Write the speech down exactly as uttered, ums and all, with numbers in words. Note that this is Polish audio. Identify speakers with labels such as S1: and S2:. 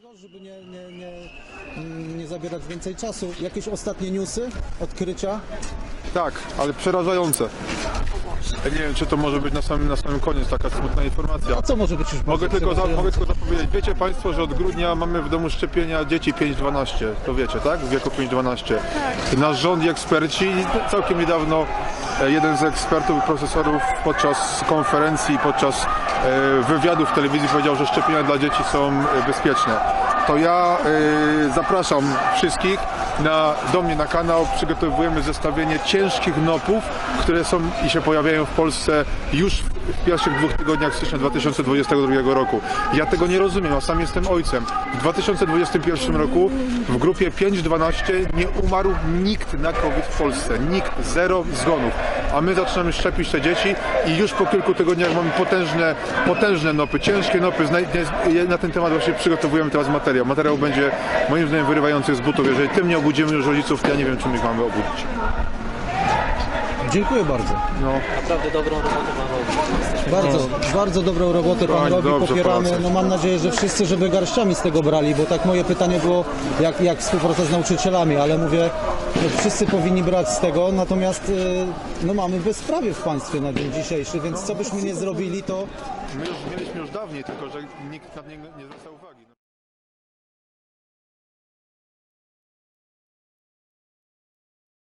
S1: Grzegorz, żeby nie, nie, nie, nie zabierać więcej czasu. Jakieś ostatnie newsy, odkrycia?
S2: Tak, ale przerażające. Ja nie wiem, czy to może być na samym, na samym koniec taka smutna informacja.
S1: A co może być już
S2: Mogę
S1: bardziej
S2: tylko, za, mogę
S1: przerażające?
S2: tylko zapowiedzieć. Wiecie Państwo, że od grudnia mamy w domu szczepienia dzieci pięć dwanaście. To wiecie, tak? W wieku pięć dwanaście. Tak. Nasz rząd i eksperci, całkiem niedawno e, jeden z ekspertów i profesorów podczas konferencji, podczas e, wywiadu w telewizji powiedział, że szczepienia dla dzieci są e, bezpieczne. To ja e, zapraszam wszystkich na, do mnie na kanał. Przygotowujemy zestawienie ciężkich nopów, które są i się pojawiają w Polsce już w pierwszych dwóch tygodniach stycznia dwa tysiące dwudziestego drugiego roku. Ja tego nie rozumiem, a sam jestem ojcem. W dwa tysiące dwudziestym pierwszym roku w grupie pięć dwanaście nie umarł nikt na COVID w Polsce. Nikt, zero zgonów. A my zaczynamy szczepić te dzieci i już po kilku tygodniach mamy potężne, potężne nopy, ciężkie nopy. Na ten temat właśnie przygotowujemy teraz materiał. Materiał będzie moim zdaniem wyrywający z butów. Jeżeli tym nie obudzimy już rodziców, to ja nie wiem, czym ich mamy obudzić.
S1: Dziękuję bardzo.
S2: No.
S3: Naprawdę dobrą robotę pan robi.
S1: Bardzo, bardzo dobrą robotę pan
S2: Bardzo
S1: robi,
S2: dobrze
S1: popieramy.
S2: pracę.
S1: No mam nadzieję, że wszyscy, żeby garściami z tego brali, bo tak moje pytanie było, jak, jak współpraca z nauczycielami, ale mówię, no wszyscy powinni brać z tego, natomiast y, no mamy bezprawie w państwie na dzień dzisiejszy, więc co byśmy nie zrobili, to
S2: My już mieliśmy już dawniej, tylko że nikt na niego nie zwraca uwagi.